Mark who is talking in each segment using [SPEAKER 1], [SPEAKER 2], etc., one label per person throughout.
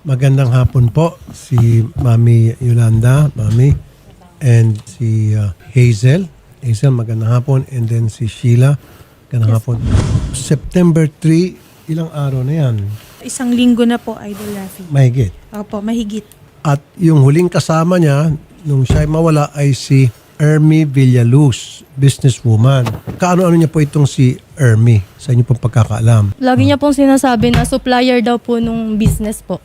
[SPEAKER 1] Magandang hapon po si Mami Yolanda, Mami, and si Hazel. Hazel, magandang hapon. And then si Sheila, magandang hapon. September 3, ilang araw na yan?
[SPEAKER 2] Isang linggo na po, Idol Rafi.
[SPEAKER 1] Mahigit.
[SPEAKER 2] Opo, mahigit.
[SPEAKER 1] At yung huling kasama niya, nung siya'y mawala, ay si Ermi Villaluz, businesswoman. Kaano-ano niya po itong si Ermi sa inyo pong pagkakaalam?
[SPEAKER 3] Lagi niya pong sinasabi na supplier daw po nung business po.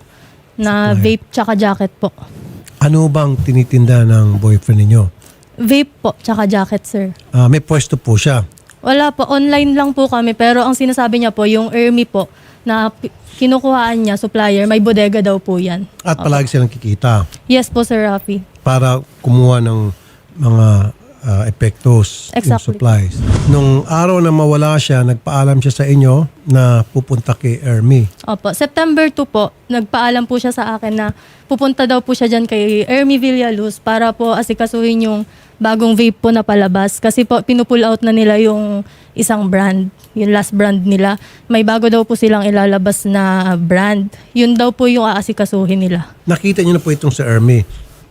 [SPEAKER 3] Na
[SPEAKER 1] Supplier.
[SPEAKER 3] vape tsaka jacket po.
[SPEAKER 1] Ano bang tinitinda ng boyfriend ninyo?
[SPEAKER 3] Vape po tsaka jacket, sir.
[SPEAKER 1] May pwesto po siya.
[SPEAKER 3] Wala po, online lang po kami. Pero ang sinasabi niya po, yung Ermi po, na kinukuhaan niya, supplier, may bodega daw po yan.
[SPEAKER 1] At palagi silang kikita
[SPEAKER 3] Yes po, Sir Rafi.
[SPEAKER 1] para kumuha ng mga epektos, yung
[SPEAKER 3] Exactly.
[SPEAKER 1] supplies. Nung araw na mawala siya, nagpaalam siya sa inyo na pupunta kay Ermi.
[SPEAKER 3] Opo, September 2 po, nagpaalam po siya sa akin na pupunta daw po siya dyan kay Ermi Villaluz para po asikasuhin yung bagong vape po na palabas. Kasi po, pinupull out na nila yung isang brand, yung last brand nila. May bago daw po silang ilalabas na brand. Yun daw po yung aasikasuhin nila.
[SPEAKER 1] Nakita niyo na po itong si Ermi.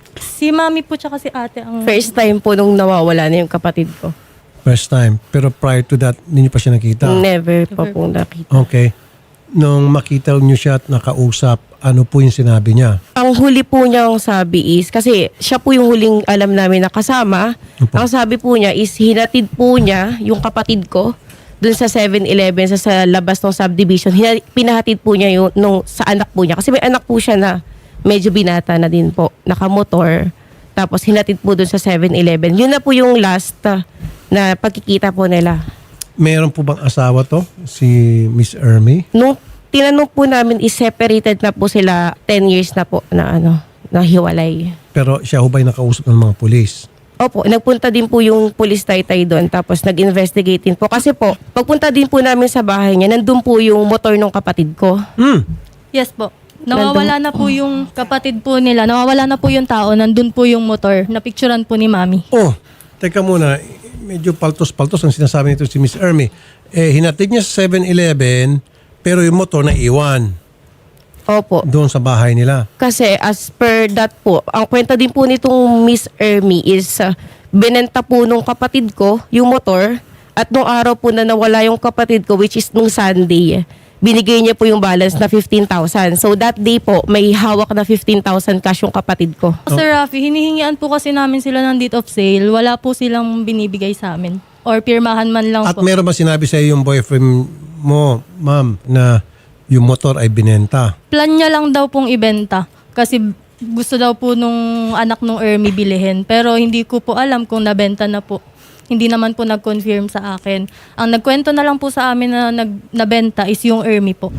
[SPEAKER 3] Si mami po tsaka si ate ang...
[SPEAKER 4] First time po nung nawawala na yung kapatid ko.
[SPEAKER 1] First time. Pero prior to that, hindi niyo pa siya nakita.
[SPEAKER 4] Never pa po nakita.
[SPEAKER 1] Okay. Nung makita niyo siya at nakausap, ano po yung sinabi niya?
[SPEAKER 4] Ang huli po niyang sabi is, kasi siya po yung huling alam namin na kasama.
[SPEAKER 1] Opo.
[SPEAKER 4] Ang sabi po niya is, hinatid po niya yung kapatid ko dun sa 7-Eleven, sa labas ng subdivision. Pinahatid po niya yung, sa anak po niya. Kasi may anak po siya na medyo binata na din po, nakamotor. Tapos hinatid po dun sa 7-Eleven. Yun na po yung last na pagkikita po nila.
[SPEAKER 1] Meron po bang asawa to? Si Miss Ermi?
[SPEAKER 4] Nung tinanong po namin is separated na po sila 10 years na po na nahiwalay.
[SPEAKER 1] Pero siya ho ba'y nakausap ng mga pulis?
[SPEAKER 4] Opo, nagpunta din po yung police taytay doon tapos nag-investigate din po. Kasi po, pagpunta din po namin sa bahay niya, nandun po yung motor ng kapatid ko.
[SPEAKER 3] Yes po. Nawawala na po yung kapatid po nila. Nawawala na po yung tao. Nandun po yung motor. Napicturan po ni mami.
[SPEAKER 1] Oh, teka muna. Medyo paltos-paltos ang sinasabi nito si Miss Ermi. Hinatid niya sa 7-Eleven, pero yung motor na iwan
[SPEAKER 4] Opo.
[SPEAKER 1] doon sa bahay nila.
[SPEAKER 4] Kasi as per that po, ang kwenta din po nitong Miss Ermi is binenta po nung kapatid ko yung motor at nung araw po na nawala yung kapatid ko which is nung Sunday, binigay niya po yung balance na 15,000. So that day po, may hawak na 15,000 cash yung kapatid ko.
[SPEAKER 3] Sir Rafi, hinihingian po kasi namin sila ng date of sale. Wala po silang binibigay sa amin. Or pirmahan man lang
[SPEAKER 1] At
[SPEAKER 3] po.
[SPEAKER 1] meron ba sinabi sa iyo yung boyfriend mo, ma'am, na yung motor ay binenta?
[SPEAKER 3] Plan niya lang daw pong ibenta. Kasi gusto daw po nung anak nung Ermi bilihin. Pero hindi ko po alam kung nabenta na po. Hindi naman po nag-confirm sa akin. Ang nagkwento na lang po sa amin na nabenta is yung Ermi po.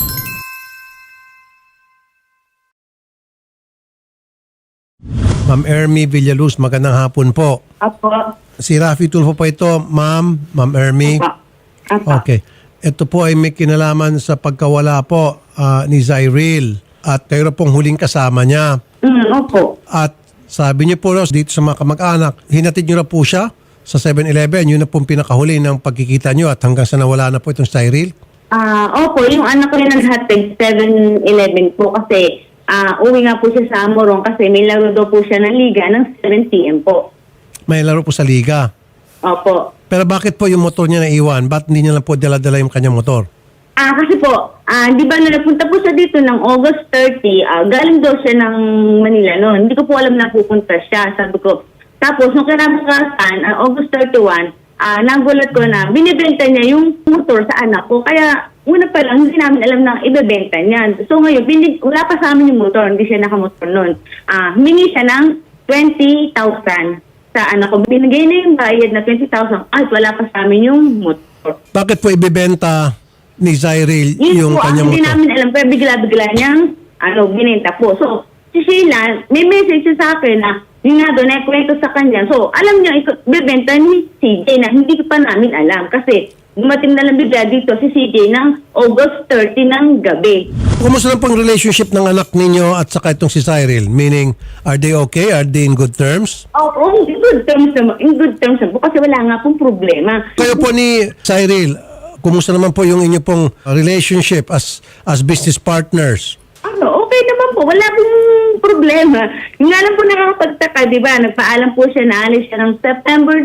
[SPEAKER 1] Ma'am Ermi Villaluz, magandang hapon po.
[SPEAKER 5] Apo.
[SPEAKER 1] Si Rafi Tulfo po ito, ma'am Ermi.
[SPEAKER 5] Apo.
[SPEAKER 1] Okay. Ito po ay may kinalaman sa pagkawala po ni Zyril. At kayo na pong huling kasama niya.
[SPEAKER 5] Opo.
[SPEAKER 1] At sabi niyo po dito sa mga kamag-anak, hinatid niyo na po siya sa 7-Eleven. Yun na pong pinakahuli ng pagkikita niyo at hanggang sa nawala na po itong Cyril.
[SPEAKER 5] Opo, yung anak ko yung naghatid 7-Eleven po kasi uwi nga po siya sa Amorong kasi may laro daw po siya ng liga ng 7 p.m. po.
[SPEAKER 1] May laro po sa liga.
[SPEAKER 5] Opo.
[SPEAKER 1] Pero bakit po yung motor niya naiwan? Ba't hindi niya lang po dala-dala yung kanyang motor?
[SPEAKER 5] Kasi po, di ba napunta po siya dito ng August 30, galing daw siya ng Manila noon. Hindi ko po alam na pupunta siya. Sabi ko, tapos nung kinabukasan, August 31, nagulat ko na binibenta niya yung motor sa anak ko. Kaya una pa lang, hindi namin alam na ibebenta niya. So ngayon, wala pa sa amin yung motor. Hindi siya nakamotor noon. Humingi siya ng 20,000 sa anak ko. Binigay na yung bayad na 20,000. Ay, wala pa sa amin yung motor.
[SPEAKER 1] Bakit po ibebenta ni Zyril
[SPEAKER 5] Yun
[SPEAKER 1] yung
[SPEAKER 5] po,
[SPEAKER 1] kanyang
[SPEAKER 5] hindi
[SPEAKER 1] motor?
[SPEAKER 5] namin alam. Pero bigla-bigla niyang binenta po. So, si Sheila, may message siya sa akin na yung nga doon, kwento sa kanya. So, alam niya, bibenta ni CJ na hindi pa namin alam. Kasi dumating na lang bigla dito si CJ ng August 30 ng gabi.
[SPEAKER 1] Kumusta na pong relationship ng anak ninyo at saka itong si Cyril? Meaning, are they okay? Are they in good terms?
[SPEAKER 5] In good terms naman. In good terms naman. Kasi wala nga pong problema.
[SPEAKER 1] Kayo po ni Cyril, kumusta naman po yung inyo pong relationship as business partners?
[SPEAKER 5] Okay Okay naman po, wala pong problema. Yung nga lang po nakakapagtaka, di ba? Nagpaalam po siya na alis siya ng September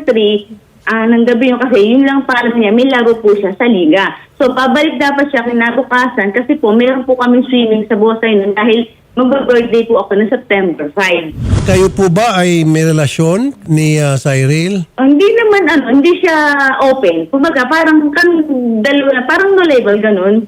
[SPEAKER 5] 3, ng gabi yun kasi yun lang paalam niya, may laro po siya sa liga. So, pabalik dapat siya kinabukasan kasi po, meron po kami swimming sa Bosay nun dahil mag-birthday po ako ng September 5.
[SPEAKER 1] Kayo po ba ay may relasyon ni Cyril?
[SPEAKER 5] Hindi naman, hindi siya open. Kumbaga, parang kami dalawa, parang no label, ganun.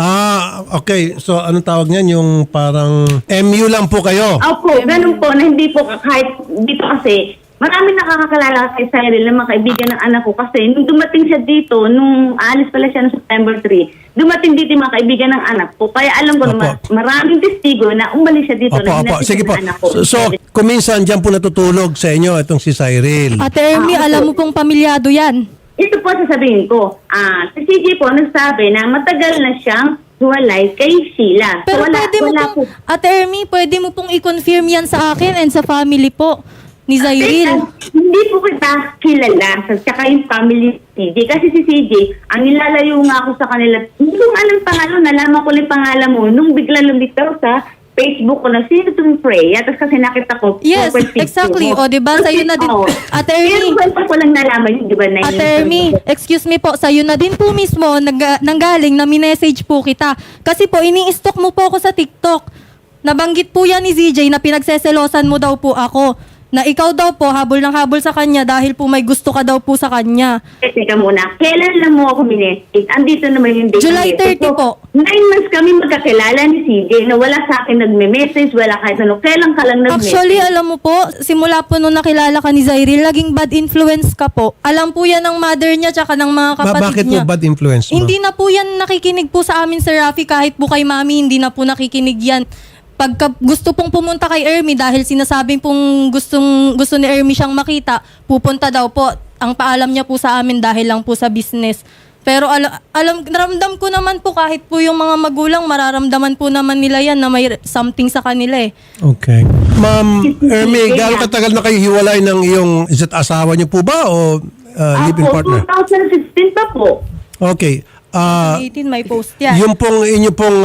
[SPEAKER 1] Okay. So, anong tawag niyan? Yung parang MU lang po kayo?
[SPEAKER 5] Opo, ganun po, na hindi po kahit dito kasi, marami nakakakalala kay Cyril na mga kaibigan ng anak ko kasi nung dumating siya dito, nung alis pala siya noong September 3, dumating dito yung mga kaibigan ng anak ko. Kaya alam ko na maraming testigo na umalis siya dito.
[SPEAKER 1] Opo. Sige po. So, kung minsan dyan po natutulog sa inyo itong si Cyril.
[SPEAKER 3] Ate Ermi, alam mo pong pamilyado yan.
[SPEAKER 5] Ito po sasabihin ko. Si CJ po nagsabi na matagal na siyang huwalay kay Sheila.
[SPEAKER 3] Pero pwede mo pong, Ate Ermi, pwede mo pong i-confirm yan sa akin and sa family po ni Cyril.
[SPEAKER 5] Hindi po kita kilala sa tsaka yung family ni CJ. Kasi si CJ, ang nilalayo nga ako sa kanila. Hindi ko alam pangalan, nalaman ko lang pangalan mo nung bigla lumitaw sa Facebook ko na sino itong Freya. Tapos kasi nakita ko.
[SPEAKER 3] Yes, exactly. O, diba? Sa'yo na din. Ate Ermi.
[SPEAKER 5] Pero ko lang nalaman yun, diba? Na
[SPEAKER 3] Ate Ermi, excuse me po, sa'yo na din po mismo nanggaling na minessage po kita. Kasi po, ini-stalk mo po ako sa TikTok. Nabanggit po yan ni ZJ na pinagseselosan mo daw po ako. Na ikaw daw po, habol ng habol sa kanya dahil po may gusto ka daw po sa kanya.
[SPEAKER 5] Teka muna, kailan lang mo ako minessage? Andito naman yung date.
[SPEAKER 3] July 30 po.
[SPEAKER 5] 9 months kami magkakilala ni CJ na wala sa akin nagme-message, wala kahit ano. Kailan ka lang nag-message?
[SPEAKER 3] Actually, alam mo po, simula po nung nakilala ka ni Cyril, laging bad influence ka po. Alam po yan ng mother niya tsaka ng mga kapatid
[SPEAKER 1] Bakit
[SPEAKER 3] niya.
[SPEAKER 1] po bad influence mo?
[SPEAKER 3] Hindi na po yan nakikinig po sa amin, Sir Rafi, kahit po kay Mami, hindi na po nakikinig yan. Pagka gusto pong pumunta kay Ermi dahil sinasabing pong gusto ni Ermi siyang makita, pupunta daw po. Ang paalam niya po sa amin dahil lang po sa business. Pero naramdam ko naman po kahit po yung mga magulang, mararamdaman po naman nila yan na may something sa kanila eh.
[SPEAKER 1] Okay. Ma'am Ermi, gaano katagal na kayo hiwalay ng iyong asawa niyo po ba o live-in partner?
[SPEAKER 5] 2016 pa po.
[SPEAKER 1] Okay.
[SPEAKER 3] 18 may post yan.
[SPEAKER 1] Yung pong inyo pong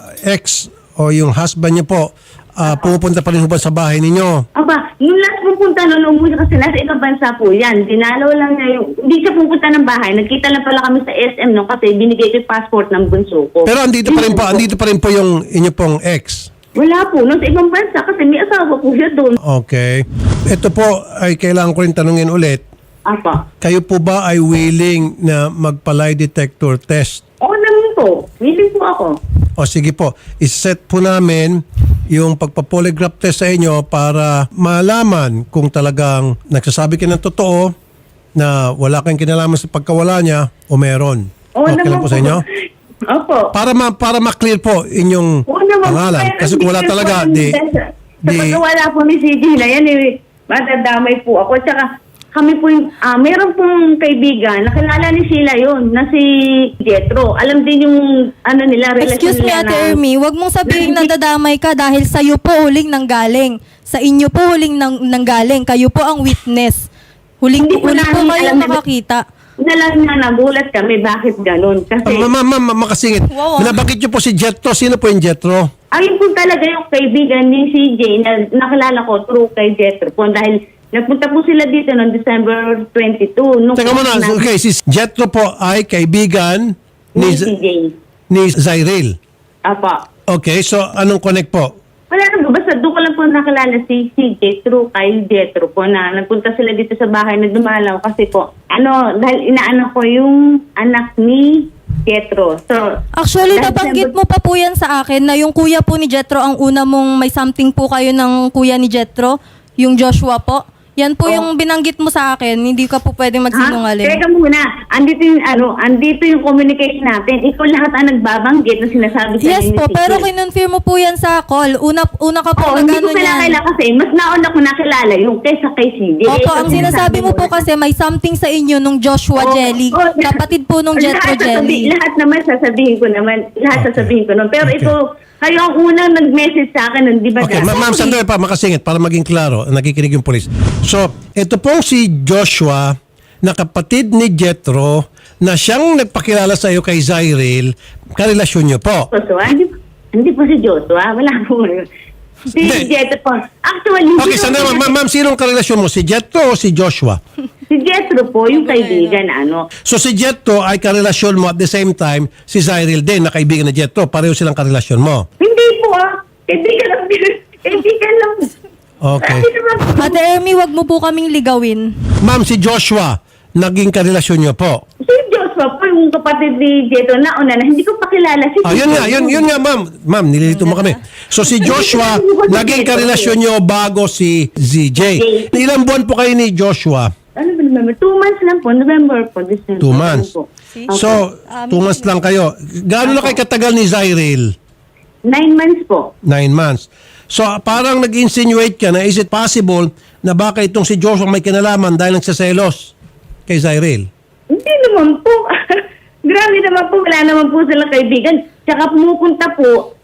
[SPEAKER 1] ex o yung husband niyo po, pupunta pa rin po ba sa bahay ninyo?
[SPEAKER 5] Aba, nung last pupunta noon, umuwi kasi nasa ibang bansa po yan. Dinalaw lang niya yung, hindi siya pupunta ng bahay. Nagkita lang pala kami sa SM no kasi binigay ko yung passport ng bunso ko.
[SPEAKER 1] Pero andito pa rin po yung inyo pong ex.
[SPEAKER 5] Wala po, nasa ibang bansa kasi may asawa po siya doon.
[SPEAKER 1] Okay. Ito po ay kailangan ko rin tanungin ulit.
[SPEAKER 5] Apa.
[SPEAKER 1] Kayo po ba ay willing na magpa-lie detector test?
[SPEAKER 5] Oo naman po. Willing po ako.
[SPEAKER 1] O sige po, iset po namin yung pagpa-polygraph test sa inyo para malaman kung talagang nagsasabi ka ng totoo na wala kang kinalaman sa pagkawala niya o meron.
[SPEAKER 5] Oo
[SPEAKER 1] Okay lang
[SPEAKER 5] naman
[SPEAKER 1] po sa inyo?
[SPEAKER 5] Opo.
[SPEAKER 1] Para ma-clear po inyong
[SPEAKER 5] Oo naman po.
[SPEAKER 1] pangalan.
[SPEAKER 5] Pero
[SPEAKER 1] Kasi kung wala
[SPEAKER 5] hindi
[SPEAKER 1] talaga,
[SPEAKER 5] po, sa pagkawala po ni CJ na yan, madadamay po ako. Tsaka kami po yung, meron pong kaibigan, nakilala ni Sheila yun, na si Jetro. Alam din yung, nila, relasyon
[SPEAKER 3] Excuse me,
[SPEAKER 5] nila
[SPEAKER 3] Ate Ermi, wag mong sabihin na dadamay ka dahil sa'yo po huling nanggaling. Sa inyo po huling nanggaling. Kayo po ang witness. Huling
[SPEAKER 5] Hindi po
[SPEAKER 3] po
[SPEAKER 5] namin
[SPEAKER 3] kayo
[SPEAKER 5] alam na-
[SPEAKER 3] nakakita.
[SPEAKER 5] Nalang na nagulat kami, bakit ganun? Kasi,
[SPEAKER 1] Ma'am, makasingit.
[SPEAKER 3] Wow.
[SPEAKER 1] Binabangkit niyo po si Jetro. Sino po yung Jetro?
[SPEAKER 5] ayun po talaga yung kaibigan ni CJ na nakilala ko through kay Jetro po. Dahil nagpunta po sila dito noong December 22.
[SPEAKER 1] Teka muna, okay, si Jetro po ay kaibigan
[SPEAKER 5] Ni CJ.
[SPEAKER 1] ni Cyril.
[SPEAKER 5] Apa.
[SPEAKER 1] Okay, so anong connect po?
[SPEAKER 5] Wala na, basta doon ko lang po nakilala si CJ through kay Jetro po na nagpunta sila dito sa bahay na dumalaw kasi po, dahil inaano ko yung anak ni Jetro. So,
[SPEAKER 3] Actually,
[SPEAKER 5] dahil
[SPEAKER 3] nabanggit
[SPEAKER 5] sinabi-
[SPEAKER 3] mo pa po yan sa akin na yung kuya po ni Jetro, ang una mong may something po kayo ng kuya ni Jetro, yung Joshua po. Yan po yung binanggit mo sa akin, hindi ka po pwedeng magsinungaling.
[SPEAKER 5] Teka muna, andito yung communication natin. Ikaw lahat ang nagbabanggit na sinasabi sa
[SPEAKER 3] Yes
[SPEAKER 5] inyo
[SPEAKER 3] po,
[SPEAKER 5] ni
[SPEAKER 3] pero
[SPEAKER 5] CJ.
[SPEAKER 3] kinonfirm mo po yan sa call. Una ka po
[SPEAKER 5] Hindi
[SPEAKER 3] nagano
[SPEAKER 5] ko
[SPEAKER 3] yan.
[SPEAKER 5] kinakala kasi mas nauna ko nakilala yung kaysa kay CJ.
[SPEAKER 3] Opo, ang sinasabi mo po kasi may something sa inyo nung Joshua Jelly. Kapatid po nung Jetro Jelly.
[SPEAKER 5] Lahat naman sasabihin ko naman. Sasabihin ko nun. Pero
[SPEAKER 1] Okay.
[SPEAKER 5] ito, kayo ang unang nag-message sa akin nun, di ba?
[SPEAKER 1] Okay,
[SPEAKER 5] dati?
[SPEAKER 1] ma'am, sandali pa, makasingit para maging klaro, nakikinig yung polis. So, ito pong si Joshua, na kapatid ni Jetro, na siyang nagpakilala sa iyo kay Cyril, karelasyon niyo po.
[SPEAKER 5] So, Hindi po si Joshua. Wala po. Si
[SPEAKER 1] Hindi.
[SPEAKER 5] Jetro po. Actually,
[SPEAKER 1] Okay, sandali, ma'am, sinong karelasyon mo? Si Jetro o si Joshua?
[SPEAKER 5] Si Jetro po, yung kaibigan na ano.
[SPEAKER 1] So si Jetro ay karelasyon mo at the same time si Zyril din na kaibigan ni Jetro. Pareho silang karelasyon mo.
[SPEAKER 5] Hindi po Kaibigan lang. Kaibigan lang.
[SPEAKER 1] Okay.
[SPEAKER 5] Hindi naman po.
[SPEAKER 3] Ate Ermi, wag mo po kaming ligawin.
[SPEAKER 1] Ma'am, si Joshua, naging karelasyon niyo po.
[SPEAKER 5] Si Joshua po, yung kapatid ni Jetro na una na hindi ko pa kilala. Si
[SPEAKER 1] Yun nga, ma'am. Ma'am, nililito mo kami. So si Joshua, naging karelasyon niyo bago si ZJ. Ilang buwan po kayo ni Joshua?
[SPEAKER 5] Ano ba November? 2 months lang po. November po. December.
[SPEAKER 1] 2 months.
[SPEAKER 5] Ano po.
[SPEAKER 1] So, 2 months lang kayo. Gaano na kayo katagal ni Zyril?
[SPEAKER 5] 9 months po.
[SPEAKER 1] 9 months. So, parang nag-insinuate ka na is it possible na baka itong si Joshua may kinalaman dahil nagsaselos kay Zyril?
[SPEAKER 5] Hindi naman po. Grabe naman po. Wala naman po silang kaibigan. Tsaka pumunta po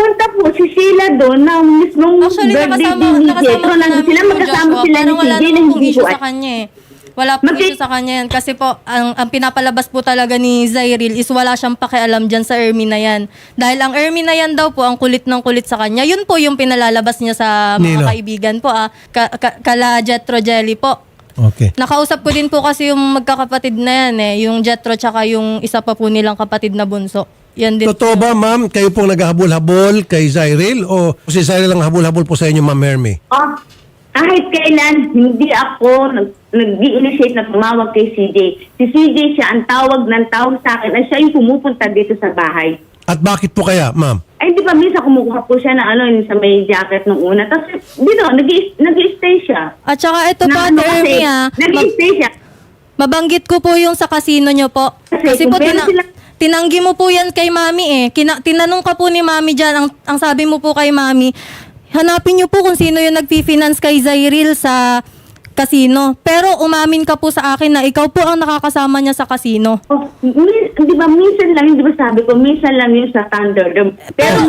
[SPEAKER 5] si Sheila doon na mismong
[SPEAKER 3] Actually,
[SPEAKER 5] birthday
[SPEAKER 3] nakasama
[SPEAKER 5] din ni
[SPEAKER 3] po
[SPEAKER 5] Jetro.
[SPEAKER 3] namin
[SPEAKER 5] Sila
[SPEAKER 3] yung
[SPEAKER 5] magkasama
[SPEAKER 3] Joshua.
[SPEAKER 5] sila ni
[SPEAKER 3] Parang wala
[SPEAKER 5] CJ na
[SPEAKER 3] naman pong
[SPEAKER 5] hindi
[SPEAKER 3] issue
[SPEAKER 5] po.
[SPEAKER 3] sa kanya eh. Wala pong issue sa kanya yan. Kasi po, ang pinapalabas po talaga ni Zyril is wala siyang pakialam dyan sa Ermi na yan. Dahil ang Ermi na yan daw po, ang kulit ng kulit sa kanya, yun po yung pinalalabas niya sa mga
[SPEAKER 1] Nino?
[SPEAKER 3] kaibigan po. Kala Jetro Jelly po.
[SPEAKER 1] Okay.
[SPEAKER 3] Nakausap ko din po kasi yung magkakapatid na yan eh. Yung Jetro tsaka yung isa pa po nilang kapatid na bunso. Yan din.
[SPEAKER 1] Totoo ba, ma'am, kayo pong naghahabol-habol kay Zyril o si Zyril ang habol-habol po sa inyo, ma'am Ermi?
[SPEAKER 5] Kahit kailan, hindi ako nag-i-initiate na tumawag kay CJ. Si CJ siya ang tawag sa akin ay siya yung pumupunta dito sa bahay.
[SPEAKER 1] At bakit po kaya, ma'am?
[SPEAKER 5] Ay, di ba minsan kumukuha po siya na yung sa may jacket nung una. Tapos, nag-i-stay siya.
[SPEAKER 3] At saka ito po,
[SPEAKER 5] Na,
[SPEAKER 3] Ate Ermi
[SPEAKER 5] nag-i-stay siya.
[SPEAKER 3] mabanggit ko po yung sa casino nyo po. Kasi
[SPEAKER 5] Kung
[SPEAKER 3] po,
[SPEAKER 5] meron sila-
[SPEAKER 3] tinanggi mo po yan kay Mami eh. Tinanong ka po ni Mami dyan, ang sabi mo po kay Mami, hanapin nyo po kung sino yung nag-finance kay Zyril sa casino. Pero umamin ka po sa akin na ikaw po ang nakakasama niya sa casino.
[SPEAKER 5] Di ba, minsan lang, di ba sabi ko, minsan lang yun sa Thunderdome. Pero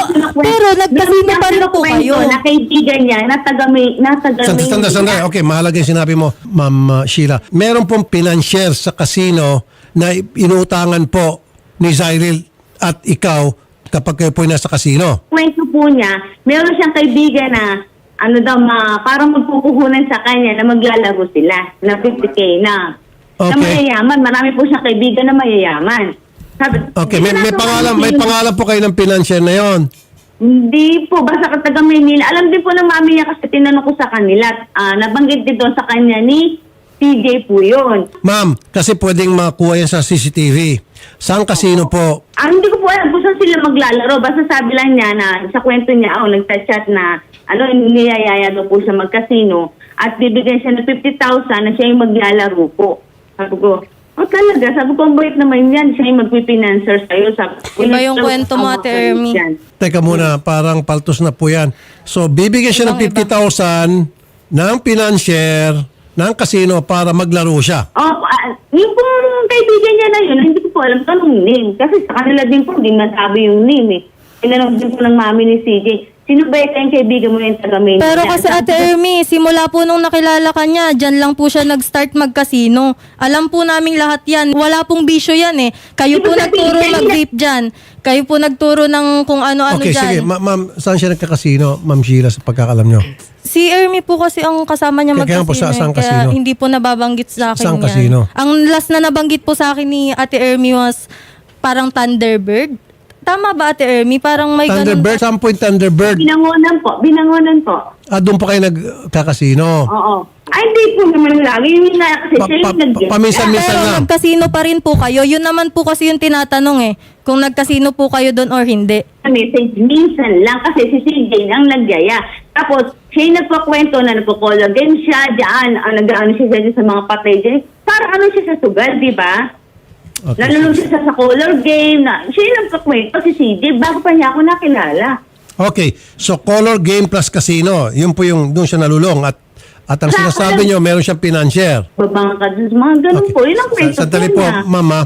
[SPEAKER 3] nagkasino pa rin po kayo.
[SPEAKER 5] Na kaibigan niya, natagamay.
[SPEAKER 1] Sandali. Okay, mahalaga yung sinabi mo, Ma'am Sheila. Meron pong financier sa casino na inuutangan po ni Zyril at ikaw kapag kayo po ay nasa casino.
[SPEAKER 5] Kwento po niya, meron siyang kaibigan na parang magpupuhunan sa kanya na maglalaro sila na 50K na.
[SPEAKER 1] Okay.
[SPEAKER 5] Na mayayaman. Marami po siyang kaibigan na mayayaman.
[SPEAKER 1] Okay, may pangalan po kayo ng financier na yon.
[SPEAKER 5] Hindi po, basta taga Maynila. Alam din po ng mami niya kasi tinanong ko sa kanila. Nabanggit din doon sa kanya ni CJ po yun.
[SPEAKER 1] Ma'am, kasi pwedeng makuha yan sa CCTV. Saan casino po?
[SPEAKER 5] Hindi ko po alam kung saan sila maglalaro. Basta sabi lang niya na sa kwento niya, nagta-chat na niyayaya daw po siya magkasino at bibigyan siya ng 50,000 na siya yung maglalaro po. Sabi ko, talaga? Sabi ko, ang bait naman yan. Siya yung magpipinancer sa'yo. Sabi ko,
[SPEAKER 3] Iba yung kwento mo, Ate Ermi.
[SPEAKER 1] Teka muna, parang paltos na po yan. So, bibigyan siya ng 50,000 ng financier ng casino para maglaro siya.
[SPEAKER 5] Yung pong kaibigan niya na yun, hindi ko po alam anong name. Kasi sa kanila din po, hindi masabi yung name eh. Tinanong din po ng mami ni CJ, sino ba yung kaibigan mo yung taga-main?
[SPEAKER 3] Pero kasi Ate Ermi, simula po nung nakilala ka niya, dyan lang po siya nag-start mag-casino. Alam po namin lahat yan. Wala pong bisyo yan eh. Kayo po nagturo mag-vape dyan. Kayo po nagturo ng kung ano-ano
[SPEAKER 1] Okay,
[SPEAKER 3] dyan.
[SPEAKER 1] sige. Ma'am, saan siya nagkakasino, Ma'am Sheila, sa pagkakalam nyo?
[SPEAKER 3] Si Ermi po kasi ang kasama niya
[SPEAKER 1] Kaya po,
[SPEAKER 3] mag-casino.
[SPEAKER 1] saan
[SPEAKER 3] Kaya
[SPEAKER 1] casino?
[SPEAKER 3] hindi po nababanggit sa akin
[SPEAKER 1] Saan
[SPEAKER 3] yan.
[SPEAKER 1] casino?
[SPEAKER 3] Ang last na nabanggit po sa akin ni Ate Ermi was parang Thunderbird. Tama ba, Ate Ermi? Parang may
[SPEAKER 1] Thunderbird? Saan po yung Thunderbird?
[SPEAKER 5] Binangonan po.
[SPEAKER 1] Doon po kayo nagkakasino.
[SPEAKER 5] Oo. Ay, hindi po naman lagi. Yun na kasi siya yung nag-get.
[SPEAKER 1] Paminsan-minsan
[SPEAKER 3] Pero
[SPEAKER 1] lang.
[SPEAKER 3] nagkasino pa rin po kayo. Yun naman po kasi yung tinatanong eh. Kung nagkasino po kayo doon or hindi.
[SPEAKER 5] Message minsan lang kasi si CJ ang nagyaya. Tapos, siya yung nagpakwento na nagpo-color game siya dyan. Nag-ano siya dyan sa mga patay dyan. Parang ano siya sa sugal, di ba?
[SPEAKER 1] Okay.
[SPEAKER 5] Nalulong siya sa color game na siya yung nagpakwento si CJ bago pa niya ako nakilala.
[SPEAKER 1] Okay. So, color game plus casino. Yun po yung doon siya nalulong. At ang sinasabi nyo, meron siyang financier.
[SPEAKER 5] Babang ka dun, mga ganun po. Yun ang kwento
[SPEAKER 1] Sandali
[SPEAKER 5] po
[SPEAKER 1] po,
[SPEAKER 5] niya.
[SPEAKER 1] Mama.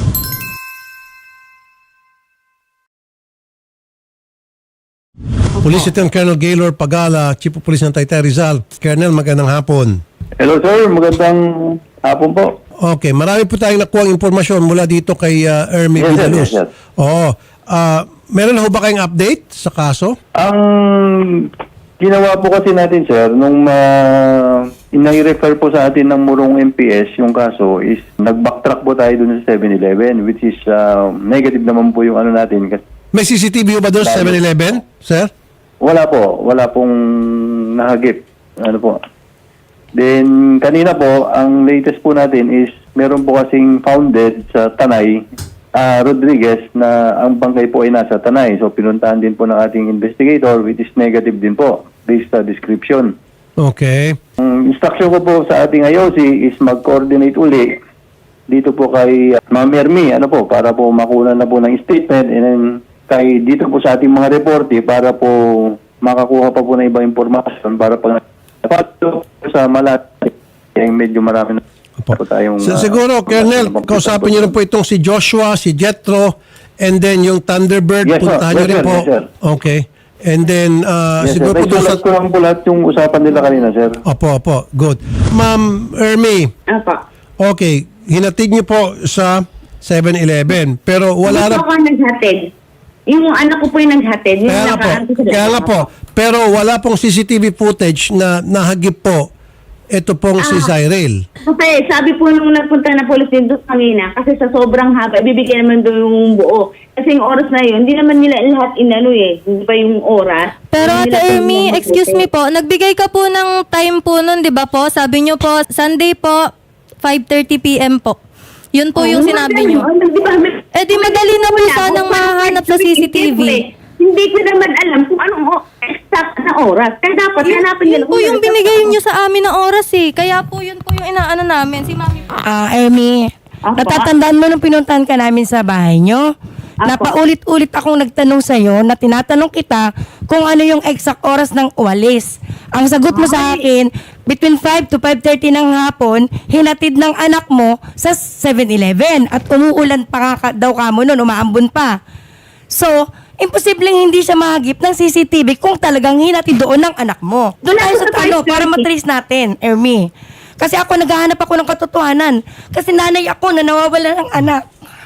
[SPEAKER 1] Police Lieutenant Colonel Gaylor Pagala, Chief of Police ng Taytay Rizal. Colonel, magandang hapon.
[SPEAKER 6] Hello sir, magandang hapon po.
[SPEAKER 1] Okay, marami po tayong nakuha impormasyon mula dito kay Ermi
[SPEAKER 6] Yes, sir.
[SPEAKER 1] Villaluz.
[SPEAKER 6] Yes, sir.
[SPEAKER 1] Oo. meron ho ba kayong update sa kaso?
[SPEAKER 6] Ang ginawa po kasi natin, sir, nung inai-refer po sa atin ng Murong MPS yung kaso is nag-backtrack po tayo dun sa 7-Eleven, which is negative naman po yung ano natin. Kasi
[SPEAKER 1] May CCTV ho ba doon sa 7-Eleven, sir?
[SPEAKER 6] wala po. Wala pong nahagip. Ano po. Then, kanina po, ang latest po natin is meron po kasing founded sa Tanay, Rodriguez, na ang bangkay po ay nasa Tanay. So, pinuntahan din po ng ating investigator, which is negative din po, based sa description.
[SPEAKER 1] Okay.
[SPEAKER 6] Ang instruction ko po sa ating IOC is mag-coordinate uli dito po kay Ma'am Ermi, ano po, para po makuha na po ng statement, and then kay dito po sa ating mga reporte para po makakuha pa po ng ibang impormasyon para pag sa Malat ay medyo marami na po tayong
[SPEAKER 1] Siguro, Colonel, kausapin niyo rin po itong si Joshua, si Jethro, and then yung Thunderbird,
[SPEAKER 6] Yes, sir.
[SPEAKER 1] puntahan niyo
[SPEAKER 6] Yes,
[SPEAKER 1] rin
[SPEAKER 6] sir.
[SPEAKER 1] po.
[SPEAKER 6] Yes, sir.
[SPEAKER 1] Okay. And then,
[SPEAKER 6] Yes,
[SPEAKER 1] siguro
[SPEAKER 6] sir.
[SPEAKER 1] po doon sa...
[SPEAKER 6] Naisulat ko lang po lahat yung usapan nila kanina, sir.
[SPEAKER 1] Opo. Good. Ma'am Ermi,
[SPEAKER 5] Apa.
[SPEAKER 1] okay, hinatid niyo po sa 7-Eleven, pero wala
[SPEAKER 5] Hindi
[SPEAKER 1] na...
[SPEAKER 5] po ako naghatid. Yung anak ko po yung naghatid. Yung
[SPEAKER 1] Kaya nga po. Pero wala pong CCTV footage na nahagip po ito pong si Cyril.
[SPEAKER 5] Kasi sabi po nung nagpunta na police dito kanina, kasi sa sobrang haba, ibibigay naman doon yung buo. Kasi yung oras na yun, hindi naman nila lahat inano eh. Hindi pa yung oras.
[SPEAKER 3] Pero
[SPEAKER 5] Hindi
[SPEAKER 3] Ate
[SPEAKER 5] nila
[SPEAKER 3] Ermi,
[SPEAKER 5] pinag-
[SPEAKER 3] excuse me po, nagbigay ka po ng time po nun, di ba po? Sabi niyo po, Sunday po, 5:30 p.m. po. Yun po yung sinabi niyo. Eh di madali na po sanang mahanap sa CCTV.
[SPEAKER 5] Hindi ko naman alam kung anong exact na oras. Kaya dapat hanapin nila.
[SPEAKER 3] Yun po yung binigay niyo sa amin na oras eh. Kaya po yun po yung inaano namin. Si Mami po.
[SPEAKER 7] Ermi,
[SPEAKER 5] Apa?
[SPEAKER 7] natatandaan mo nung pinuntahan ka namin sa bahay nyo?
[SPEAKER 5] Apa?
[SPEAKER 7] Napaulit-ulit akong nagtanong sa'yo na tinatanong kita kung ano yung exact oras ng uwalis. Ang sagot mo sa akin, between 5 to 5:30 ng hapon, hinatid ng anak mo sa 7-Eleven at umuulan pa daw ka mo nun, umaambon pa. So, imposibleng hindi siya mahagip ng CCTV kung talagang hinatid doon ng anak mo. Doon tayo sa talo para matrace natin, Ermi. Kasi ako naghahanap ako ng katotohanan. Kasi nanay ako na nawawala ng anak.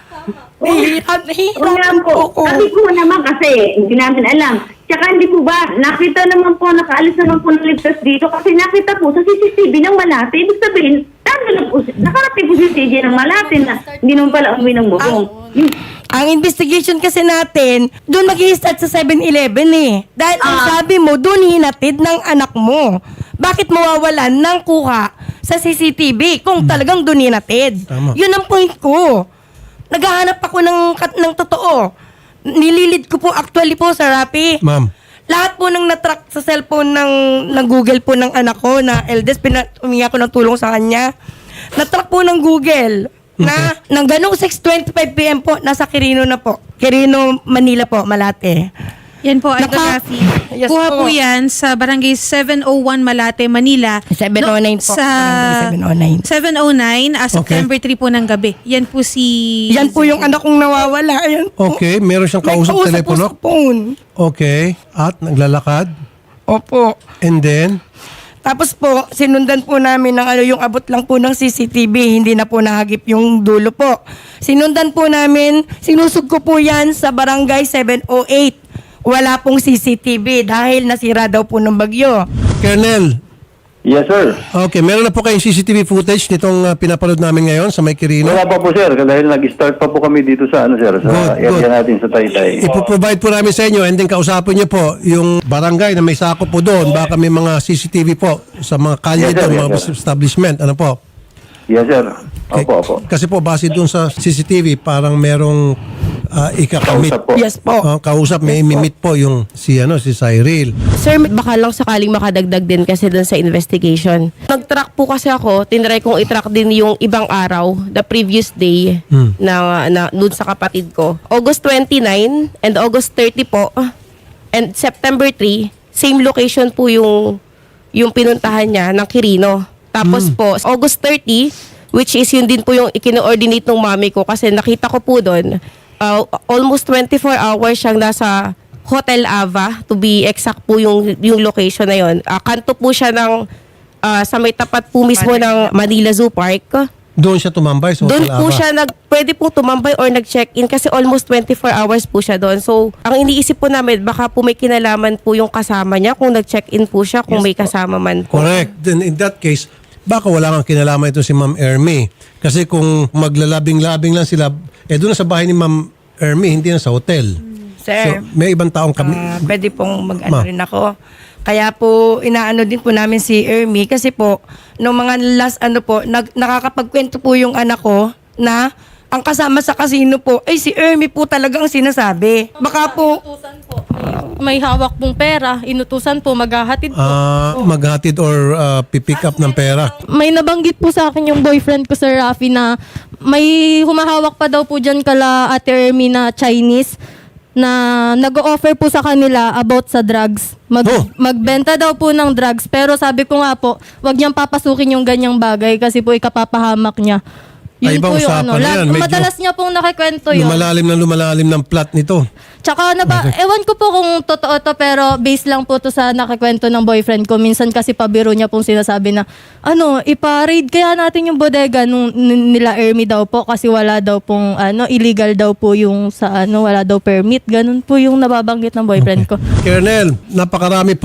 [SPEAKER 7] Nahihirapan po ako.
[SPEAKER 5] Sabi ko naman kasi, hindi namin alam. Tsaka hindi po ba, nakita naman po, nakaalis naman po ng ligtas dito kasi nakita po sa CCTV ng Malate. Ibig sabihin, nakarating po si CJ ng Malate na hindi naman pala umuwi ng bubong.
[SPEAKER 7] Ang investigation kasi natin, doon mag-i-start sa 7-Eleven eh. Dahil ang sabi mo, doon hinatid ng anak mo. Bakit mawawalan ng kuha sa CCTV kung talagang doon hinatid?
[SPEAKER 1] Tama.
[SPEAKER 7] Yun ang point ko. Naghahanap ako ng totoo. Nililid ko po actually po sa Rappi.
[SPEAKER 1] Ma'am.
[SPEAKER 7] Lahat po nang natrack sa cellphone ng Google po ng anak ko na eldest, humingi ako ng tulong sa kanya. Natrack po ng Google na nang ganong 6:25 p.m. po, nasa Quirino na po. Quirino, Manila po, Malate.
[SPEAKER 2] Yan po, Idol
[SPEAKER 7] Naka-
[SPEAKER 2] Rafi.
[SPEAKER 7] Yes
[SPEAKER 2] Kuha
[SPEAKER 7] po.
[SPEAKER 2] po yan sa barangay 701 Malate, Manila.
[SPEAKER 7] 709 po,
[SPEAKER 2] Sa
[SPEAKER 7] barangay 709.
[SPEAKER 2] 709, September 3 po ng gabi. Yan po si...
[SPEAKER 7] Yan po yung anak kong nawawala. Ayan po.
[SPEAKER 1] Okay, meron siyang kausap
[SPEAKER 7] Nagkausap
[SPEAKER 1] telepono.
[SPEAKER 7] po sa phone.
[SPEAKER 1] Okay. At naglalakad.
[SPEAKER 7] Opo.
[SPEAKER 1] And then,
[SPEAKER 7] Tapos po, sinundan po namin ng yung abot lang po ng CCTV, hindi na po nahagip yung dulo po. Sinundan po namin, sinusog ko po yan sa barangay 708. Wala pong CCTV dahil nasira daw po ng bagyo.
[SPEAKER 1] Colonel,
[SPEAKER 6] Yes, sir.
[SPEAKER 1] okay, meron na po kayong CCTV footage nitong pinapanood namin ngayon sa May Quirino.
[SPEAKER 6] Wala pa po, sir. Dahil nag-start pa po kami dito sa, sir, sa
[SPEAKER 1] Good, good.
[SPEAKER 6] area natin sa Taytay.
[SPEAKER 1] Ipoprovide po namin sa inyo and then kausapin niyo po yung barangay na may sakop po doon. Baka may mga CCTV po sa mga kalye
[SPEAKER 6] Yes, sir.
[SPEAKER 1] doon,
[SPEAKER 6] Yes,
[SPEAKER 1] mga
[SPEAKER 6] sir.
[SPEAKER 1] establishment. Ano po?
[SPEAKER 6] Yes, sir.
[SPEAKER 1] Okay.
[SPEAKER 6] Opo.
[SPEAKER 1] Kasi po, base doon sa CCTV, parang merong ikakamit.
[SPEAKER 6] Kausap po.
[SPEAKER 7] Yes po.
[SPEAKER 1] Kausap, may imimit po yung si Cyril.
[SPEAKER 4] Sir, baka lang sakaling makadagdag din kasi dun sa investigation. Nag-track po kasi ako, tinry kong i-track din yung ibang araw, the previous day, na dun sa kapatid ko. August 29 and August 30 po, and September 3, same location po yung pinuntahan niya ng Quirino. Tapos po, August 30, which is yun din po yung ikino-ordinate ng mami ko kasi nakita ko po doon, almost 24 hours siyang nasa Hotel Ava, to be exact po yung location na yun. Kanto po siya ng sa may tapat po mismo ng Manila Zoo Park.
[SPEAKER 1] Doon siya tumambay sa
[SPEAKER 4] Doon
[SPEAKER 1] Hotel
[SPEAKER 4] po
[SPEAKER 1] Aba.
[SPEAKER 4] siya pwede po tumambay or nag-check-in kasi almost 24 hours po siya doon. So, ang iniisip po namin, baka po may kinalaman po yung kasama niya kung nag-check-in po siya, kung may kasama man po.
[SPEAKER 1] Correct. Then in that case, baka wala kang kinalaman ito si Ma'am Ermi. Kasi kung maglalabing-labing lang sila, doon na sa bahay ni Ma'am Ermi, hindi na sa hotel.
[SPEAKER 7] Sir,
[SPEAKER 1] So, may ibang taong kami.
[SPEAKER 7] pwede pong mag-ano
[SPEAKER 1] Ma.
[SPEAKER 7] rin ako. Kaya po, inaano din po namin si Ermi kasi po, nung mga last nakakapagkwento po yung anak ko na ang kasama sa casino po, ay si Ermi po talaga ang sinasabi. Baka po,
[SPEAKER 3] Inutusan po. May hawak pong pera. Inutusan po, maghahatid po.
[SPEAKER 1] Maghatid or pipick up ng pera.
[SPEAKER 3] May nabanggit po sa akin yung boyfriend ko, Sir Rafi, na may humahawak pa daw po dyan kala Ate Ermi na Chinese na nag-offer po sa kanila about sa drugs. Magbenta daw po ng drugs. Pero sabi ko nga po, wag niyang papasukin yung ganyang bagay kasi po ikapapahamak niya.
[SPEAKER 1] Ay, ibang usapan na yan. Medyo
[SPEAKER 3] Madalas niya pong nakikwento yun.
[SPEAKER 1] Lumalalim ng plot nito.
[SPEAKER 3] Tsaka ewan ko po kung totoo to pero base lang po to sa nakikwento ng boyfriend ko. Minsan kasi pabiro niya pong sinasabi na ipa-raid kaya natin yung bodega nila Ermi daw po kasi wala daw pong illegal daw po yung sa wala daw permit. Ganun po yung nababanggit ng boyfriend ko.
[SPEAKER 1] Colonel, napakarami po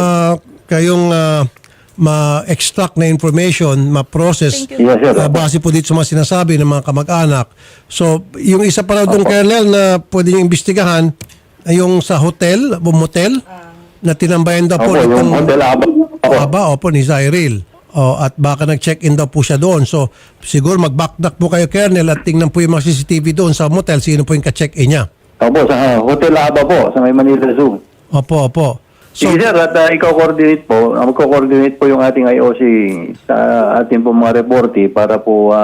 [SPEAKER 1] kayong ma-extract na information, ma-process
[SPEAKER 6] Yes, sir.
[SPEAKER 1] base po dito sa mga sinasabi ng mga kamag-anak. So, yung isa pa raw doon, Colonel, na pwede nyo imbestigahan ay yung sa hotel, motel, na tinambayan daw po
[SPEAKER 6] Opo, yung
[SPEAKER 1] itong
[SPEAKER 6] Hotel Aba.
[SPEAKER 1] opo, ni Zyril. At baka nag-check-in daw po siya doon. So, siguro mag-backtrack po kayo, Colonel, at tingnan po yung mga CCTV doon sa motel, sino po yung ka-check-in niya.
[SPEAKER 6] Opo, sa Hotel Aba po, sa may Manila Zoo.
[SPEAKER 1] Opo. So,
[SPEAKER 6] Sige sir, at ikaw-coordinate po, magko-coordinate po yung ating IOC sa ating po mga reporte para po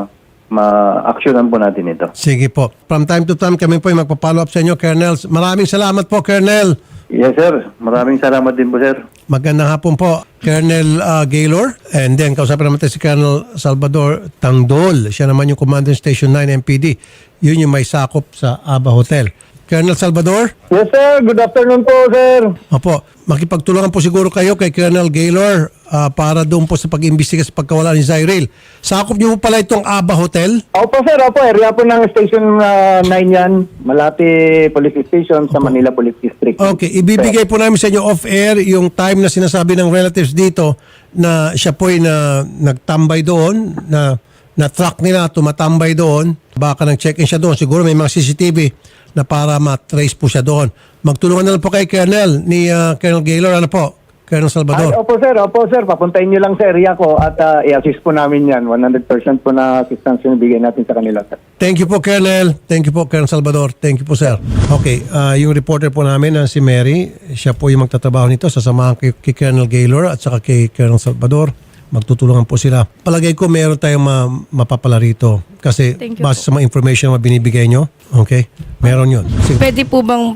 [SPEAKER 6] ma-actionan po natin ito.
[SPEAKER 1] sige po. From time to time, kami po yung magpa-follow up sa inyo, Colonel. Maraming salamat po, Colonel.
[SPEAKER 6] Yes sir, maraming salamat din po sir.
[SPEAKER 1] Magandang hapon po, Colonel Gaylor. And then, kausapin naman tayo si Colonel Salvador Tangdol. Siya naman yung Commander Station 9 MPD. Yun yung may sakop sa Aba Hotel. Colonel Salvador?
[SPEAKER 8] Yes sir, good afternoon po sir.
[SPEAKER 1] Opo, makipagtulungan po siguro kayo kay Colonel Gaylor para doon po sa pag-imbestiga sa pagkawala ni Zyril. Sakop niyo po pala itong Aba Hotel?
[SPEAKER 8] Opo sir, area po ng Station 9 yan, Malate Police Station sa Manila Police District.
[SPEAKER 1] Okay, ibibigay po namin sa inyo off-air yung time na sinasabi ng relatives dito na siya po ay nagtambay doon, na truck nila tumatambay doon. Baka nag-check-in siya doon. Siguro may mga CCTV na para matrace po siya doon. Magtulungan na lang po kay Colonel, ni Colonel Gaylor. Ano po? Colonel Salvador.
[SPEAKER 8] Opo sir, papuntahin nyo lang sa area ko at i-assist po namin yan. 100% po na assistance yung bigay natin sa kanila sir.
[SPEAKER 1] Thank you po, Colonel. Thank you po, Colonel Salvador. Thank you po, sir. Okay, yung reporter po namin na si Mary, siya po yung magtatrabaho nito. Sasamahan kay Colonel Gaylor at saka kay Colonel Salvador. Magtutulungan po sila. Palagay ko meron tayong mapapala rito. Kasi
[SPEAKER 3] Thank you
[SPEAKER 1] base sa mga information na binibigay nyo, okay, meron yun. Sige.
[SPEAKER 7] pwede po bang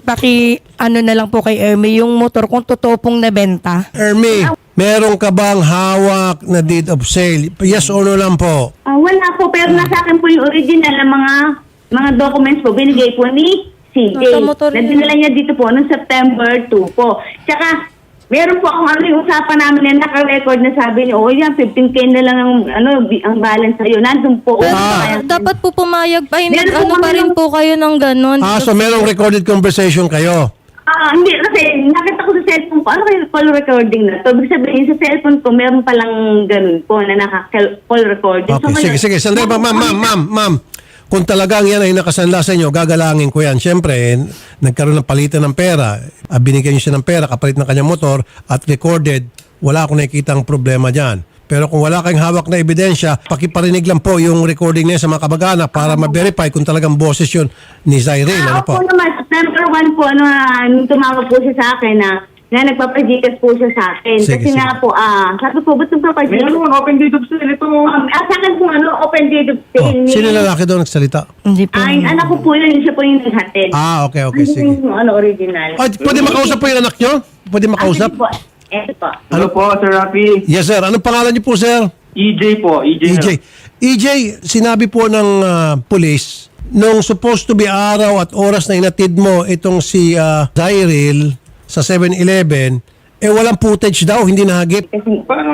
[SPEAKER 7] na lang po kay Ermi yung motor kung totoo pong nabenta?
[SPEAKER 1] Ermi, meron ka bang hawak na deed of sale? Yes or no lang po?
[SPEAKER 5] Wala po, pero nasa akin po yung original na mga documents po, binigay po ni CJ.
[SPEAKER 3] Nasa motor yun.
[SPEAKER 5] Nadinala niya dito po noong September 2 po. Tsaka, meron po akong yung usapan namin na naka-record na sabi niyo, yan, 15K na lang ang balance sa'yo. Nandun po.
[SPEAKER 3] Dapat po pumayag pa.
[SPEAKER 5] Meron po
[SPEAKER 3] Pa
[SPEAKER 5] kami
[SPEAKER 3] rin po kayo ng ganun.
[SPEAKER 1] So merong recorded conversation kayo?
[SPEAKER 5] Hindi, kasi nakita ko sa cellphone ko, ano kayo call recording na to? Ibig sabihin, sa cellphone ko, meron palang ganun po na naka-call recording.
[SPEAKER 1] Okay, sige. Sandali ba, ma'am. Kung talagang yan ay nakasanla sa inyo, gagalangin ko yan. Siyempre, nagkaroon ng palitan ng pera. Binigyan niyo siya ng pera, kapalit ng kanyang motor, at recorded, wala akong nakikitang problema dyan. Pero kung wala kayong hawak na ebidensya, pakiparinig lang po yung recording niya sa mga kamag-anak para ma-verify kung talagang boses yun ni Zyril. Ano po?
[SPEAKER 5] Opo naman, number one po, nung tumawag po siya sa akin na nagpapajikas po siya sa akin.
[SPEAKER 1] Sige,
[SPEAKER 5] Kasi
[SPEAKER 1] sige.
[SPEAKER 5] nga po, sabi ko, ba't nagpapajikas?
[SPEAKER 8] Meron, open date of sale ito.
[SPEAKER 5] Sa akin po, open date of
[SPEAKER 1] Oh,
[SPEAKER 5] sale.
[SPEAKER 1] sino lalaki doon nagsalita?
[SPEAKER 7] Hindi po.
[SPEAKER 5] Ay, anak ko po yun, siya po yung naghatid.
[SPEAKER 1] Okay,
[SPEAKER 5] Ano
[SPEAKER 1] sige.
[SPEAKER 5] yung original?
[SPEAKER 1] Ay, pwede makausap po yung anak nyo? Pwede makausap?
[SPEAKER 5] Po, eto po.
[SPEAKER 8] Ano po, Sir Rafi?
[SPEAKER 1] Yes, sir. Anong pangalan niyo po, sir?
[SPEAKER 8] EJ po,
[SPEAKER 1] EJ, sinabi po ng police, nung supposed to be araw at oras na inatid mo itong si Zyril sa 7-Eleven, walang footage daw, hindi nahagip.
[SPEAKER 5] Kasi
[SPEAKER 9] Parang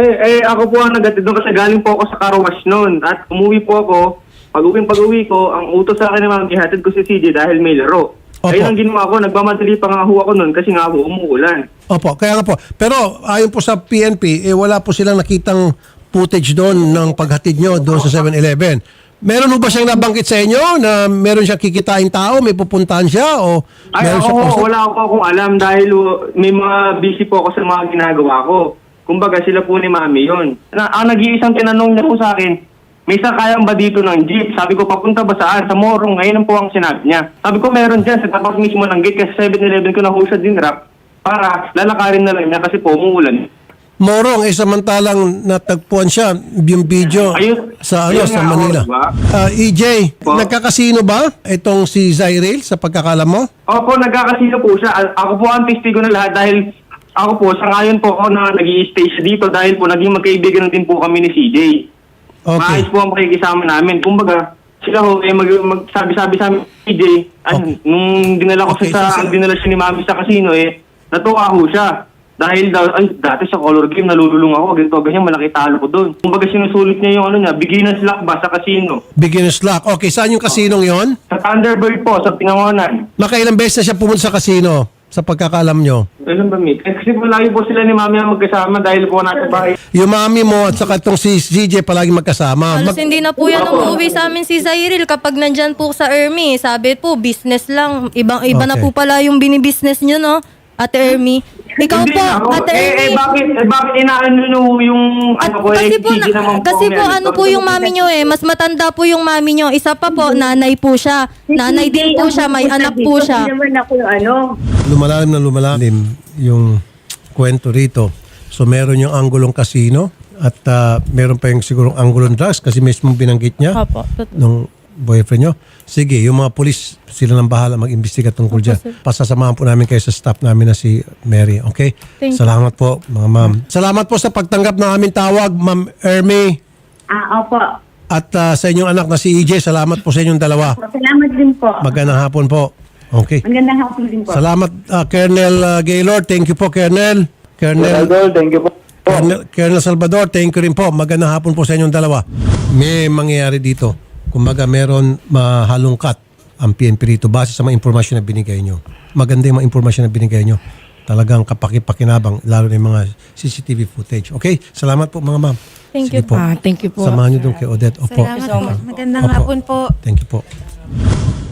[SPEAKER 9] ako po ang nagatid doon kasi galing po ako sa car wash noon at umuwi po ako. Pag-uwi ko, ang utos sa akin naman, ihatid ko si CJ dahil may laro.
[SPEAKER 1] Opo.
[SPEAKER 9] Ayun ang ginawa ko, nagmamadali pa nga ho ako noon kasi nga ho umuulan.
[SPEAKER 1] Opo, kaya nga po. Pero ayon po sa PNP, wala po silang nakitang footage doon ng paghatid nyo doon sa 7-Eleven. Meron po ba siyang nabanggit sa inyo na meron siyang kikitain tao, may pupuntahan siya o
[SPEAKER 9] Ay,
[SPEAKER 1] meron siya
[SPEAKER 9] ako, wala ako akong alam dahil may mga busy po ako sa mga ginagawa ko. Kumbaga, sila po ni Mami yun. Ang nag-iisang tinanong niya po sa akin, may sakayang ba dito ng jeep? Sabi ko, papunta ba saan? Sa Morong. Ngayon po ang sinabi niya. Sabi ko, meron dyan sa tapat mismo ng gate kasi 7-Eleven ko na ho siya dinrap para lalakarin na lang niya kasi po umuulan.
[SPEAKER 1] Morong, samantalang natagpuan siya yung video
[SPEAKER 9] Ayun,
[SPEAKER 1] sa
[SPEAKER 9] ayun
[SPEAKER 1] sa
[SPEAKER 9] nga ako,
[SPEAKER 1] Manila.
[SPEAKER 9] diba?
[SPEAKER 1] EJ,
[SPEAKER 9] Po.
[SPEAKER 1] nagkakasino ba itong si Zyril sa pagkakalam mo?
[SPEAKER 9] Opo, nagkakasino po siya. Ako po ang testigo na lahat dahil ako po, sa ngayon po ako na nag-i-stay siya dito dahil po naging magkaibigan din po kami ni CJ.
[SPEAKER 1] Okay.
[SPEAKER 9] Maayos po ang pakikisama namin. Kumbaga, sila ho, magsabi-sabi sa amin, CJ,
[SPEAKER 1] Okay.
[SPEAKER 9] nung dinala ko
[SPEAKER 1] Okay,
[SPEAKER 9] siya, dinala siya ni Mami sa casino, natuwa ho siya. Dahil daw, dati sa color game, nalululong ako, ganito, ganyan, malaki talo ko doon. Kumbaga, sinusulit niya yung beginner's luck ba sa casino.
[SPEAKER 1] Beginner's luck. Okay, saan yung kasinong yon?
[SPEAKER 9] Sa Thunderbird po, sa Tinangonan.
[SPEAKER 1] Nakailang beses na siya pumunta sa kasino sa pagkakalam nyo?
[SPEAKER 9] Alam ba, Mick? Kasi po lagi po sila ni Mami ang magkasama dahil po nasa bahay.
[SPEAKER 1] Yung mami mo at saka itong si CJ palagi magkasama.
[SPEAKER 3] Halos hindi na po yan umuwi sa amin si Zyril kapag nandyan po sa Ermi. Sabi po, business lang. Iba na
[SPEAKER 1] Okay.
[SPEAKER 3] po pala yung binibusiness nyo, no? Ate Ermi. Ikaw
[SPEAKER 9] Hindi
[SPEAKER 3] po,
[SPEAKER 9] na ako.
[SPEAKER 3] Ate Ermi.
[SPEAKER 9] Bakit inaano nyo yung
[SPEAKER 3] Kasi po,
[SPEAKER 9] sige naman
[SPEAKER 3] kasi po
[SPEAKER 9] meron.
[SPEAKER 3] ano po yung mami nyo mas matanda po yung mami nyo. Isa pa po, nanay po siya. Nanay din po siya, may anak po siya.
[SPEAKER 5] Hindi naman ako
[SPEAKER 1] Lumalalim na lumalalim yung kwento rito. So meron yung anggulong kasino at meron pa yung sigurong anggulong drugs kasi mismo binanggit niya
[SPEAKER 3] Opo.
[SPEAKER 1] nung boyfriend nyo. Sige, yung mga polis, sila nang bahala mag-imbestiga tungkol dyan. Pasasamahan po namin kayo sa staff namin na si Mary. Okay?
[SPEAKER 3] Thank you.
[SPEAKER 1] Salamat po, mga ma'am. Salamat po sa pagtanggap ng aming tawag, Ma'am Ermi.
[SPEAKER 5] Opo.
[SPEAKER 1] At sa inyong anak na si EJ, salamat po sa inyong dalawa.
[SPEAKER 5] Salamat din po.
[SPEAKER 1] Magandang hapon po. Okay.
[SPEAKER 5] Magandang hapon din po.
[SPEAKER 1] Salamat, Colonel Gaylord. Thank you po, Colonel. Colonel,
[SPEAKER 6] Thank you po.
[SPEAKER 1] Colonel Salvador, thank you rin po. Magandang hapon po sa inyong dalawa. May mangyayari dito. Kumbaga, meron mahalungkat ang PNP rito base sa mga impormasyon na binigay nyo. Maganda yung mga impormasyon na binigay nyo. Talagang kapakipakinabang, lalo na yung mga CCTV footage. Okay? Salamat po, mga ma'am.
[SPEAKER 3] Thank
[SPEAKER 1] Sige
[SPEAKER 3] you.
[SPEAKER 1] po.
[SPEAKER 4] Thank you po.
[SPEAKER 1] Samahan nyo doon kay Odette. Opo.
[SPEAKER 2] Salamat po. Magandang
[SPEAKER 1] Opo.
[SPEAKER 2] hapon po.
[SPEAKER 1] Thank you po.